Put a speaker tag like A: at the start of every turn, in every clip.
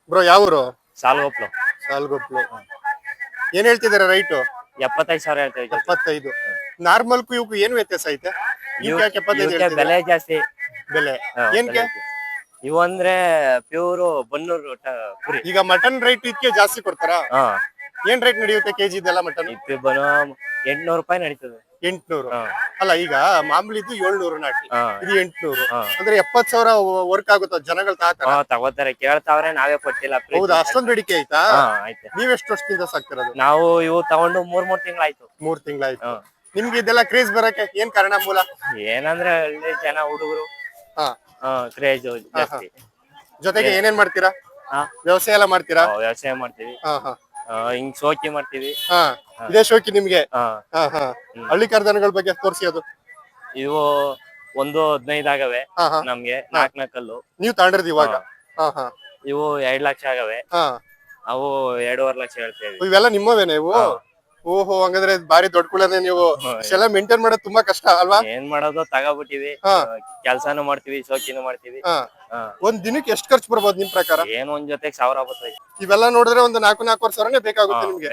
A: Bro ಯಾವೂರು?
B: ಸಾಲ್ಗೊಪ್ಲು.
A: ಸಾಲ್ಗೊಪ್ಲು. ಏನ್ ಹೇಳ್ತಿದ್ದೀರಾ right?
B: 75,000 ಹೇಳ್ತಾ ಇದ್ದೀವಿ.
A: 75. ನಾರ್ಮಲ್ಕು ಇವಕ್ಕೂ ಏನು ವ್ಯತ್ಯಾಸ ಐತೆ? ಇವಕ್ಕೆ ಯಾಕೆ 75
B: ಇವಕ್ಕೆ
A: ಹೇಳ್ತಿದ್ದೀರಾ?
B: ಬೆಲೆ ಜಾಸ್ತಿ.
A: ಬೆಲೆ ಏನ್ಕೆ?
B: ಇವು ಅಂದ್ರೆ ಪ್ಯೂರ್ ಬನ್ನೂರು ಕುರಿ.
A: ಈಗ ಮಟನ್ ರೈಟ್ ಇದಕ್ಕೆ ಜಾಸ್ತಿ ಕೊಡ್ತಾರಾ?
B: ಹಾ,
A: ಏನ್ ರೇಟ್ ನಡೆಯುತ್ತೆ ಕೆಜಿ ಇದೆಲ್ಲ ಮಟನ್?
B: ಇದು ಬರೋ 800 ರೂಪಾಯಿ ನಡೀತದೆ.
A: 800.
B: ಹಾ.
A: ಅಲ್ಲ ಈಗ ಮಾಮೂಲಿ ಇದು 700 ನಾಟಿ,
B: ಹಾ.
A: ಇದು 800.
B: ಹಾ.
A: ಅಂದ್ರೆ 70,000 ವರ್ಕ್ ಆಗುತ್ತ ಜನಗಳು ತಾತಾರ?
B: ತಗೋತಾರೆ, ಕೇಳ್ತಾವ್ರೆ, ನಾವೇ ಕೊಟ್ಟಿಲ್ಲ.
A: ಹೌದಾ, ಅಷ್ಟೊಂದ್ ಬೇಡಿಕೆ ಆಯ್ತಾ?
B: ಆಯ್ತು.
A: ನೀವೆಷ್ಟು ವರ್ಷದಿಂದ ಸಾಕ್ತಿರೋದು?
B: ನಾವು ಇವು ತಗೊಂಡು 3 ತಿಂಗಳಾಯ್ತು.
A: 3 ತಿಂಗಳಾಯ್ತು. ನಿಮ್ಗೆ ಇದೆಲ್ಲ ಕ್ರೇಜ್ ಬರಕ್ಕೆ ಏನ್ ಕಾರಣ ಮೂಲ?
B: ಏನಂದ್ರೆ ಹಳ್ಳಿ ಜನ ಹುಡುಗರು
A: ಹಾ
B: ಕ್ರೇಜ್ ಜಾಸ್ತಿ.
A: ಜೊತೆಗೆ ಏನೇನ್ ಮಾಡ್ತೀರಾ?
B: ಹಾ,
A: ವ್ಯವಸಾಯ ಎಲ್ಲ ಮಾಡ್ತೀರಾ?
B: ವ್ಯವಸಾಯ ಮಾಡ್ತೀವಿ.
A: ಹಾ ಹಾ
B: ಹಿಂಗ್ ಶೋಕಿ ಮಾಡ್ತೀವಿ.
A: ಹಾ, ಇದೇ ಶೋಕಿ ನಿಮ್ಗೆ?
B: ಹಾ.
A: ಹಾ ಹಾ ಹಳ್ಳಿ ಕಾರ್ದನಗಳ ಬಗ್ಗೆ ತೋರಿಸಿ ಅದು.
B: ಇವು 1.15 ಆಗವೆ.
A: ಹಾ ಹಾ
B: ನಮ್ಗೆ 4 ಕಲ್ಲು.
A: ನೀವ್ ತಗೊಂಡಿರೋದು ಇವಾಗ? ಹಾ ಹಾ
B: ಇವು 2 ಲಕ್ಷ ಆಗವೆ.
A: ಹಾ,
B: ಅವು 2.5 ಲಕ್ಷ ಹೇಳ್ತೇವೆ.
A: ಇವೆಲ್ಲ ನಿಮ್ಮವೇನೆ ಇವು? ಓಹೋ, ಹಂಗಂದ್ರೆ ಬಾರಿ ದೊಡ್ಡ ಕುಳನೆ ನೀವು. ಇಷ್ಟೆಲ್ಲ ಮೇಂಟೈನ್ ಮಾಡೋದು ತುಂಬಾ ಕಷ್ಟ ಅಲ್ವಾ?
B: ಏನ್ ಮಾಡೋದು, ತಗೋಬಿಟ್ಟಿವಿ. ಕೆಲ್ಸಾನು ಮಾಡ್ತೀವಿ, ಶೋಕಿನೂ ಮಾಡ್ತೀವಿ.
A: ಒಂದ್ ದಿನಕ್ಕೆ ಎಷ್ಟು ಖರ್ಚು ಬರ್ಬೋದು ನಿಮ್ ಪ್ರಕಾರ?
B: ಏನ್ ಒಂದ್ ಜೊತೆಗೆ 1000 ಬರ್ತದೆ.
A: ಇವೆಲ್ಲ ನೋಡಿದ್ರೆ ಒಂದು 4-4 ಸಾವಿರನೇ ಬೇಕಾಗುತ್ತೆ ನಿಮ್ಗೆ?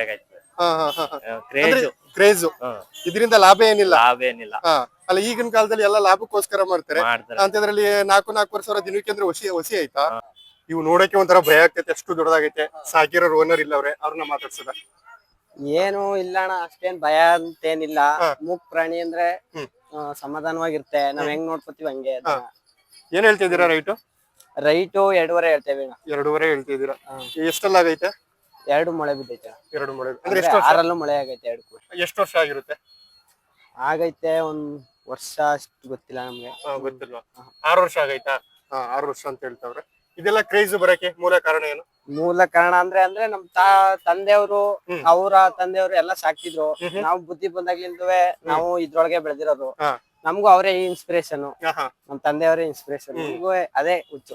A: ಕ್ರೇಜ್. ಇದರಿಂದ ಲಾಭ ಏನಿಲ್ಲ?
B: ಲಾಭ ಏನಿಲ್ಲ.
A: ಅಲ್ಲ, ಈಗಿನ ಕಾಲದಲ್ಲಿ ಎಲ್ಲ ಲಾಭಕ್ಕೋಸ್ಕರ ಮಾಡ್ತಾರೆ. ಅಂತದ್ರಲ್ಲಿ 4-4 ಸಾವಿರ ದಿನಕ್ಕೆ ಅಂದ್ರೆ ಹೊಸಿ ಆಯ್ತಾ? ಇವು ನೋಡಕ್ಕೆ ಒಂಥರ ಭಯ ಆಗ್ತೈತೆ, ಅಷ್ಟು ದೊಡ್ಡದಾಗೈತೆ. ಸಾಕಿರೋರು ಓನರ್ ಇಲ್ಲ ಅವ್ರೆ, ಅವ್ರನ್ನ ಮಾತಾಡ್ಸದ?
C: ಏನು ಇಲ್ಲ ಅಣ್ಣ, ಅಷ್ಟೇನ್ ಭಯ ಅಂತೇನಿಲ್ಲ. ಮೂಕ್ ಪ್ರಾಣಿ ಅಂದ್ರೆ ಸಮಾಧಾನವಾಗಿರುತ್ತೆ. ನಾವ್ ಹೆಂಗ್ ನೋಡ್ಕೊತೀವಿ ಹಂಗೆ.
A: ಏನ್ ಹೇಳ್ತಿದ್ದೀರಾ ರೈಟು?
C: ರೈಟು 2.5 ಹೇಳ್ತೇವೆ.
A: 2.5 ಹೇಳ್ತಿದ್ದೀರಾ? ಎಷ್ಟೆಲ್ಲ ಆಗೈತೆ?
C: 2 ಮೊಳೆ ಬಿದ್ದೈತೆ.
A: 2 ಮೊಳೆ
C: ಅಂದ್ರೆ 6ರಲ್ಲೂ ಮೊಳೆ ಆಗೈತೆ. 2
A: ಎಷ್ಟು ವರ್ಷ ಆಗಿರುತ್ತೆ?
C: ಆಗೈತೆ ಒಂದ್ ವರ್ಷ ಅಷ್ಟು ಗೊತ್ತಿಲ್ಲ ನಮ್ಗೆ.
A: ಗೊತ್ತಿಲ್ಲ. 6 ವರ್ಷ ಆಗೈತಾ? 6 ವರ್ಷ ಅಂತ ಹೇಳ್ತಾವ್ರೆ. ಇದೆಲ್ಲ ಕ್ರೇಜ್ ಬರಕ್ಕೆ ಮೂಲ ಕಾರಣ ಏನು?
C: ಮೂಲ ಕಾರಣ ಅಂದ್ರೆ ನಮ್ ತಂದೆಯವರು, ಅವರ ತಂದೆಯವರು ಎಲ್ಲ ಸಾಕ್ತಿದ್ರು. ನಾವು ಬುದ್ಧಿ ಬಂದಾಗ್ಲಿಂದವೇ ನಾವು ಇದ್ರೊಳಗೆ ಬೆಳೆದಿರೋದು. ನಮಗೂ ಅವರೇ ಇನ್ಸ್ಪಿರೇಷನ್. ನಮ್ ತಂದೆಯವರೇ ಇನ್ಸ್ಪಿರೇಷನ್. ನಮಗೂ ಅದೇ ಹುಚ್ಚು.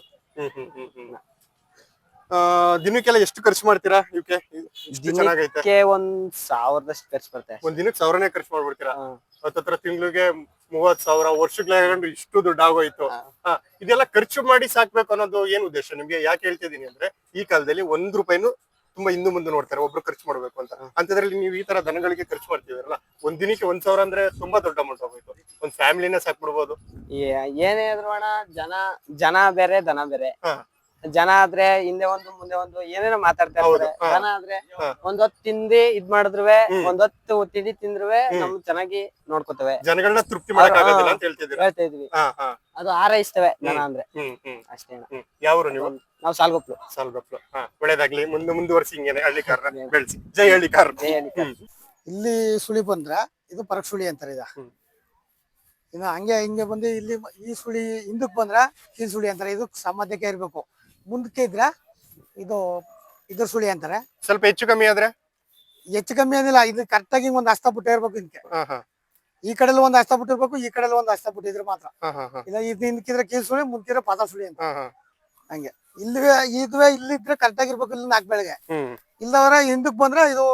A: ದಿನಕ್ಕೆಲ್ಲ ಎಷ್ಟು ಖರ್ಚು ಮಾಡ್ತೀರಾ ಇವಕ್ಕೆ?
C: ದಿನಕ್ಕೆ 1,000 ಖರ್ಚು ಬರುತ್ತೆ.
A: ಒಂದ್ ದಿನಕ್ಕೆ 1000ನೇ ಖರ್ಚು ಮಾಡ್ಬಿಡ್ತೀರಾ? ಹತ್ತತ್ರ ತಿಂಗಳಿಗೆ 30,000, ವರ್ಷಗಳಾಗೊಂಡು ಇಷ್ಟು ದುಡ್ಡು ಆಗೋಯ್ತು. ಇದೆಲ್ಲ ಖರ್ಚು ಮಾಡಿ ಸಾಕ್ಬೇಕು ಅನ್ನೋದು ಏನ್ ಉದ್ದೇಶ ನಿಮ್ಗೆ? ಯಾಕೆ ಹೇಳ್ತಿದೀನಿ ಅಂದ್ರೆ, ಈ ಕಾಲದಲ್ಲಿ 1 ರೂಪಾಯಿನೂ ತುಂಬಾ ಹಿಂದೆ ಮುಂದೆ ನೋಡ್ತಾರೆ, ಒಬ್ರು ಖರ್ಚು ಮಾಡ್ಬೇಕು ಅಂತ. ಅಂತದ್ರಲ್ಲಿ ನೀವು ಈ ತರ ದನಗಳಿಗೆ ಖರ್ಚು ಮಾಡ್ತೀವಲ್ಲ, ಒಂದ್ ದಿನಕ್ಕೆ 1,000 ಅಂದ್ರೆ ತುಂಬಾ ದೊಡ್ಡ ಅಮೌಂಟ್ ಆಗೋಯ್ತು. ಒಂದ್ ಫ್ಯಾಮಿಲಿನೇ ಸಾಕ್ಬಿಡ್ಬೋದು.
C: ಏನೇ ಆದ್ರೂ ಅಣ್ಣ, ಜನ ಬೇರೆ, ದನ ಬೇರೆ. ಜನ ಆದ್ರೆ ಹಿಂದೆ ಒಂದು ಮುಂದೆ ಒಂದು ಏನೇನೋ ಮಾತಾಡ್ತಾ ಇರ್ತಾರೆ. ದನ ಆದ್ರೆ ಒಂದೊತ್ತು ತಿಂದಿ ಇದ್ ಮಾಡಿದ್ರುವೆ, ಒಂದೊತ್ತು ತಿಂಡಿ ತಿಂದ್ರುವೆ ನಮ್ ಚೆನ್ನಾಗಿ ನೋಡ್ಕೋತವೆ.
A: ಜನಗಳನ್ನ ತೃಪ್ತಿ ಮಾಡಕ್ಕಾಗೋದಿಲ್ಲ ಅಂತ
C: ಹೇಳ್ತಾ ಇದ್ವಿ. ಅದು ಹಾರೈಸ್ತವೆ ದನ ಅಂದ್ರೆ, ಅಷ್ಟೇ.
A: ಯಾವ್ರು ನೀವು?
C: ನಾವು ಸಾಲ್ಗೊಪ್ಲು.
A: ಒಳ್ಳೇದಾಗ್ಲಿ, ಮುಂದುವರ್ಸಿ ಹಿಂಗೇನೆ ಹಳ್ಳಿಕಾರನ ಬೆಳೆಸಿ. ಜೈ ಹಳ್ಳಿಕಾರ.
D: ಇಲ್ಲಿ ಸುಳಿ ಬಂದ್ರ ಇದು ಪರಕ್ ಸುಳಿ ಅಂತಾರೆ. ಇನ್ನು ಹಂಗೆ ಹಿಂಗೆ ಬಂದು ಇಲ್ಲಿ ಈ ಸುಳಿ ಹಿಂದಕ್ ಬಂದ್ರ ಈ ಸುಳಿ ಅಂತಾರೆ. ಇದು ಸಾಮಾನ್ಯಕ್ಕೆ ಇರ್ಬೇಕು. ಮುಂದಕ್ಕೆ ಇದ್ರ ಇದು ಇದ್ರ ಸುಳಿ ಅಂತಾರೆ.
A: ಸ್ವಲ್ಪ ಹೆಚ್ಚು ಕಮ್ಮಿ ಆದ್ರೆ?
D: ಹೆಚ್ಚು ಕಮ್ಮಿ ಏನಿಲ್ಲ, ಇದು ಕರೆಕ್ಟ್ ಆಗಿ ಒಂದ್ ಹಸ್ತ ಬಿಟ್ಟು ಇರ್ಬೇಕು. ಇದಕ್ಕೆ ಈ ಕಡೆಲ್ಲ ಒಂದ್ ಹಸ್ತ ಬಿಟ್ಟಿರ್ಬೇಕು, ಈ ಕಡೆಲ್ಲ ಒಂದ್ ಹಸ್ತ ಬಿಟ್ಟಿದ್ರೆ ಮಾತ್ರ. ಇಲ್ಲ ಇದು ಹಿಂದಕ್ಕಿದ್ರೆ ಕೀಲ್ ಸುಳಿ, ಮುಂದಿದ್ರೆ ಪಾದ ಸುಳಿ ಅಂತ. ಹಂಗೆ ಇದುವೆ ಇಲ್ಲಿದ್ರೆ ಕರೆಕ್ಟ್ ಆಗಿರ್ಬೇಕು. ಇಲ್ಲಿ 4 ಬೆಳಗ್ಗೆ ಇಲ್ಲವರ ಹಿಂದಕ್ ಬಂದ್ರೆ ಇದು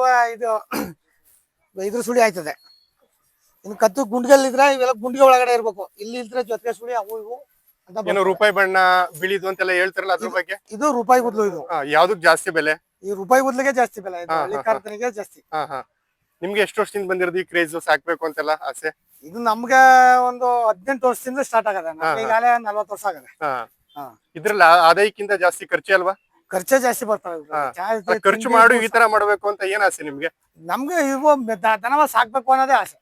D: ಇದ್ರ ಸುಳಿ ಆಯ್ತದೆ. ಇನ್ನು ಕತ್ತು ಗುಂಡ್ಗಲ್ಲಿದ್ರೆ ಇವೆಲ್ಲ ಗುಂಡಿಗೆ ಒಳಗಡೆ ಇರ್ಬೇಕು. ಇಲ್ಲಿ ಇಲ್ದ್ರೆ ಜೊತೆಗೆ ಸುಳಿ ಅವು ಇವು
A: ಅಂತ. ರೂಪಾಯಿ ಬಣ್ಣ ಬಿಳಿದು ಅಂತೆಲ್ಲ ಹೇಳ್ತಾರಲ್ಲ, ಅದ್ರ ಬಗ್ಗೆ?
D: ಇದು ರೂಪಾಯಿ ಬದ್ಲು. ಇದು
A: ಯಾವ್ದಕ್ ಜಾಸ್ತಿ ಬೆಲೆ?
D: ಈ ರೂಪಾಯಿ ಬದ್ಲಿಗೆ ಜಾಸ್ತಿ ಬೆಲೆ. ಹಳ್ಳಿಕಾರನಿಗೆ ಜಾಸ್ತಿ.
A: ನಿಮ್ಗೆ ಎಷ್ಟು ವರ್ಷದಿಂದ ಬಂದಿರೋದು ಈ ಕ್ರೇಜ್ ಸಾಕ್ಬೇಕು ಅಂತೆಲ್ಲ ಆಸೆ?
D: ಇದು ನಮ್ಗೆ ಒಂದು 18 ವರ್ಷದಿಂದ ಸ್ಟಾರ್ಟ್ ಆಗದೆ. ಈಗಾಗಲೇ 40 ವರ್ಷ ಆಗದೆ.
A: ಇದ್ರಲ್ಲಿ ಆದಾಯಕ್ಕಿಂತ ಜಾಸ್ತಿ ಖರ್ಚೆ ಅಲ್ವಾ?
D: ಖರ್ಚೆ ಜಾಸ್ತಿ ಬರ್ತವೆ.
A: ಖರ್ಚು ಮಾಡು ಈ ತರ ಮಾಡ್ಬೇಕು ಅಂತ ಏನ್ ಆಸೆ ನಿಮ್ಗೆ?
D: ನಮ್ಗೆ ಇವು ದನವ ಸಾಕ್ಬೇಕು ಅನ್ನೋದೇ ಆಸೆ.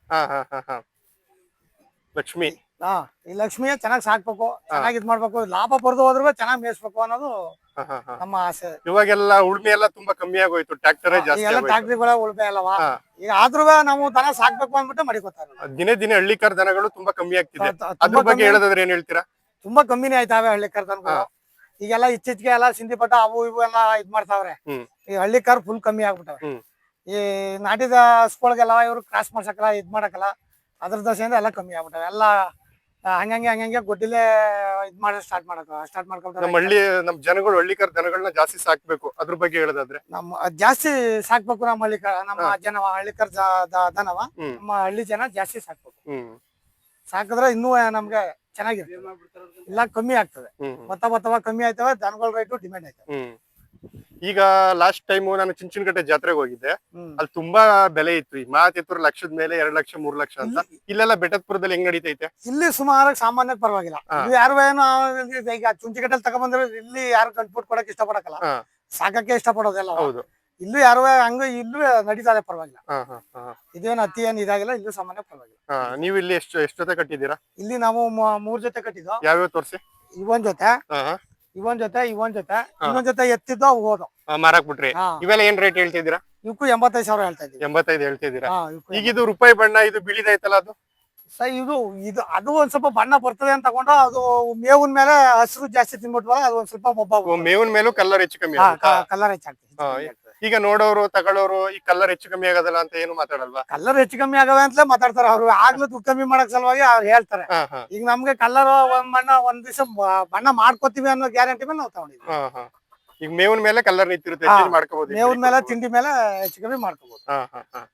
A: ಲಕ್ಷ್ಮಿ.
D: ಈ ಲಕ್ಷ್ಮಿಯ ಚೆನ್ನಾಗಿ ಸಾಕ್ಬೇಕು, ಚೆನ್ನಾಗಿ ಇದ್ ಮಾಡ್ಬೇಕು, ಲಾಭ ಬರ್ದು ಹೋದ್ರು ಚೆನ್ನಾಗಿ ಮೇಯಿಸ್ಬೇಕು ಅನ್ನೋದು ನಮ್ಮ ಆಸೆ.
A: ಇವಾಗೆಲ್ಲ ಉಳ್ಮೆ ಎಲ್ಲ ತುಂಬಾ ಕಮ್ಮಿ ಆಗೋಯ್ತು, ಟ್ರ್ಯಾಕ್ಟರ್ ಜಾಸ್ತಿ.
D: ಟ್ರ್ಯಾಕ್ಟರ್ಗಳ ಉಳ್ಮೆ ಅಲ್ಲವಾ? ಈಗ ಆದ್ರೂ ನಾವು ದನ ಸಾಕ್ಬೇಕು ಅಂದ್ಬಿಟ್ಟು ಮಡಿಕೋತಾರೆ.
A: ದಿನೇ ದಿನೇ ಹಳ್ಳಿಕಾರ ದನಗಳು ತುಂಬಾ ಕಮ್ಮಿ ಆಗ್ತಿದೆ. ಅದ್ರ ಬಗ್ಗೆ ಹೇಳೋದಾದ್ರೆ ಏನ್ ಹೇಳ್ತೀರಾ?
D: ತುಂಬಾ ಕಮ್ಮಿನೇ ಆಯ್ತಾವೆ ಹಳ್ಳಿಕಾರ ದನಗಳು. ಈಗೆಲ್ಲ ಇತ್ತೀಚೆಗೆ ಎಲ್ಲ ಸಿಂಧಿ ಪಟ್ಟ ಅವು ಇವು ಎಲ್ಲ ಇದ್ ಮಾಡ್ತಾವ್ರೆ. ಈ ಹಳ್ಳಿಕಾರ ಫುಲ್ ಕಮ್ಮಿ ಆಗ್ಬಿಟ್ಟವೆ. ಈ ನಾಟಿದ ಹಸ್ಗಳಿಗೆಲ್ಲ ಇವ್ರು ಕ್ರಾಸ್ ಮಾಡ್ಸಕಲ್ಲ, ಇದ್ ಮಾಡಕಲ್ಲ, ಅದ್ರ ದಶೆಯಿಂದ ಎಲ್ಲ ಕಮ್ಮಿ ಆಗ್ಬಿಟ್ಟವೆ. ಎಲ್ಲ ಹಂಗಂಗೆ ಗೊಡ್ಡಿಲೆ ಇದ್ ಮಾಡಿ ಸ್ಟಾರ್ಟ್ ಮಾಡ್ಕೊಂತಾರೆ.
A: ನಮ್ ಜನಗಳು ಹಳ್ಳಿಕಾರ ದನಗಳನ್ನ ಜಾಸ್ತಿ ಸಾಕ್ಬೇಕು, ಅದ್ರ ಬಗ್ಗೆ ಹೇಳೋದಾದ್ರೆ?
D: ಜಾಸ್ತಿ ಸಾಕ್ಬೇಕು ನಮ್ಮ ಹಳ್ಳಿಕಾರ ದನವ ನಮ್ಮ ಹಳ್ಳಿ ಜನ ಜಾಸ್ತಿ ಸಾಕ್ಬೇಕು. ಸಾಕಿದ್ರೆ ಇನ್ನೂ ನಮ್ಗೆ ಚೆನ್ನಾಗಿರುತ್ತೆ. ಇಲ್ಲ ಕಮ್ಮಿ ಆಗ್ತದೆ. ಭತ್ತ ಕಮ್ಮಿ ಆಯ್ತವೆ, ದನಗಳ ರೇಟು ಡಿಮ್ಯಾಂಡ್ ಆಯ್ತವೆ.
A: ಈಗ ಲಾಸ್ಟ್ ಟೈಮ್ ನಾನು ಚುಂಚನಕಟ್ಟೆ ಜಾತ್ರೆಗೆ ಹೋಗಿದ್ದೆ.
D: ಹ್ಮ್.
A: ಅಲ್ಲಿ ತುಂಬಾ ಬೆಲೆ ಇತ್ತು. ಈ ಮಾತಿತ್ತೂರು ಲಕ್ಷದ ಮೇಲೆ 2 ಲಕ್ಷ 3 ಲಕ್ಷ ಅಂತ. ಇಲ್ಲೆಲ್ಲ ಬೆಟ್ಟದಪುರದಲ್ಲಿ ಹೆಂಗ್ ನಡೀತೈತೆ?
D: ಇಲ್ಲಿ ಸುಮಾರಾಗಿ ಸಾಮಾನ್ಯಕ್ಕೆ ಪರವಾಗಿಲ್ಲ. ಇಲ್ಲಿ ಯಾರು ಏನು ಈಗ ಚುಂಚಿಕಟ್ಟಲ್ಲಿ ತಗೊಂಡ್ಬಂದ್ರೆ ಇಲ್ಲಿ ಯಾರು ಕಂಟ್ಬಿಟ್ಟು ಕೊಡಕ್ ಇಷ್ಟಪಡಕಲ್ಲ,
A: ಹಾ.
D: ಸಾಕಕ್ಕೆ ಇಷ್ಟಪಡೋದೆಲ್ಲ.
A: ಹೌದು.
D: ಇಲ್ಲೂ ಯಾರು ಹಂಗ ಇಲ್ಲೂ ನಡೀತದೆ ಪರವಾಗಿಲ್ಲ.
A: ಹಾ ಹಾ ಹಾ
D: ಇದೇನು ಅತಿ ಏನ್ ಇದಾಗಿಲ್ಲ, ಇಲ್ಲೂ ಸಾಮಾನ್ಯ ಪರವಾಗಿಲ್ಲ.
A: ಹಾ. ನೀವು ಇಲ್ಲಿ ಎಷ್ಟು ಜೊತೆ ಕಟ್ಟಿದ್ದೀರಾ?
D: ಇಲ್ಲಿ ನಾವು 3 ಜೊತೆ ಕಟ್ಟಿದ್ದು.
A: ಯಾವ್ಯಾವ ತೋರ್ಸಿ?
D: ಇವನ್ ಜೊತೆ,
A: ಹಾ
D: ಇವನ್ ಜೊತೆ, ಇನ್ನೊಂದ್ ಜೊತೆ ಎತ್ತಿದ್ದು ಅವು ಹೋದು.
A: ಮಾರಾಕ್ ಬಿಟ್ರಿ.
D: ಹಾ.
A: ಇವೆಲ್ಲ ಏನ್ ರೇಟ್ ಹೇಳ್ತಿದ್ದೀರಾ?
D: ಇವಕ್ಕೂ 85,000 ಹೇಳ್ತಾ ಇದ್ದೀವಿ.
A: 85 ಹೇಳ್ತಿದ್ದೀರಾ?
D: ಹಾ,
A: ಈಗ ಇದು ರೂಪಾಯಿ ಬಣ್ಣ, ಇದು ಬಿಳಿದೈತಲ್ಲ ಅದು?
D: ಇದು ಅದು ಒಂದ್ ಸ್ವಲ್ಪ ಬಣ್ಣ ಬರ್ತದೆ ಅಂತ ತಗೊಂಡು ಅದು ಮೇವಿನ ಮೇಲೆ ಹಸಿರು ಜಾಸ್ತಿ ತಿನ್ಬಿಟ್ವಲ್ಲ, ಅದು ಒಂದ್ ಸ್ವಲ್ಪ ಮೊಬ್ಬ
A: ಮೇವಿನ ಮೇಲೂ ಕಲರ್ ಹೆಚ್ಚು ಕಮ್ಮಿ ಆಗುತ್ತಾ?
D: ಕಲರ್ ಹೆಚ್ಚಾಗ್ತದೆ.
A: ಹಾ. ಈಗ ನೋಡೋರು ತಗೊಳ್ಳೋರು ಈ ಕಲರ್ ಹೆಚ್ಚು ಕಮ್ಮಿ ಆಗೋದಲ್ಲ ಅಂತ ಏನು ಮಾತಾಡಲ್ವಾ?
D: ಕಲರ್ ಹೆಚ್ಚು ಕಮ್ಮಿ ಆಗವೆ ಅಂತಲೇ ಮಾತಾಡ್ತಾರೆ ಅವ್ರು. ಆಗ್ಲೂ ದುಡ್ಡು ಕಮ್ಮಿ ಮಾಡಕ್ ಸಲುವಾಗಿ ಅವ್ರು ಹೇಳ್ತಾರೆ.
A: ಹಾ ಹಾ
D: ಈಗ ನಮ್ಗೆ ಕಲರ್ ಒಂದ್ ದಿವಸ ಬಣ್ಣ ಮಾಡ್ಕೋತೀವಿ ಅನ್ನೋ ಗ್ಯಾರಂಟಿ ಮೇಲೆ ನಾವು ತಗೊಂಡಿದ್ವಿ.
A: ಹಾ ಹಾ. ಈಗ ಮೇವಿನ ಮೇಲೆ ಕಲರ್ ನಿಂತಿರುತ್ತೆ,
D: ಹಾ.
A: ಚೇಂಜ್ ಮಾಡ್ಕೋಬಹುದು.
D: ಮೇವಿನ ಮೇಲೆ ತಿಂಡಿ ಮೇಲೆ ಹೆಚ್ಚು ಕಮ್ಮಿ ಮಾಡ್ಕೋಬಹುದು.
A: ಹಾ ಹಾ ಹಾ.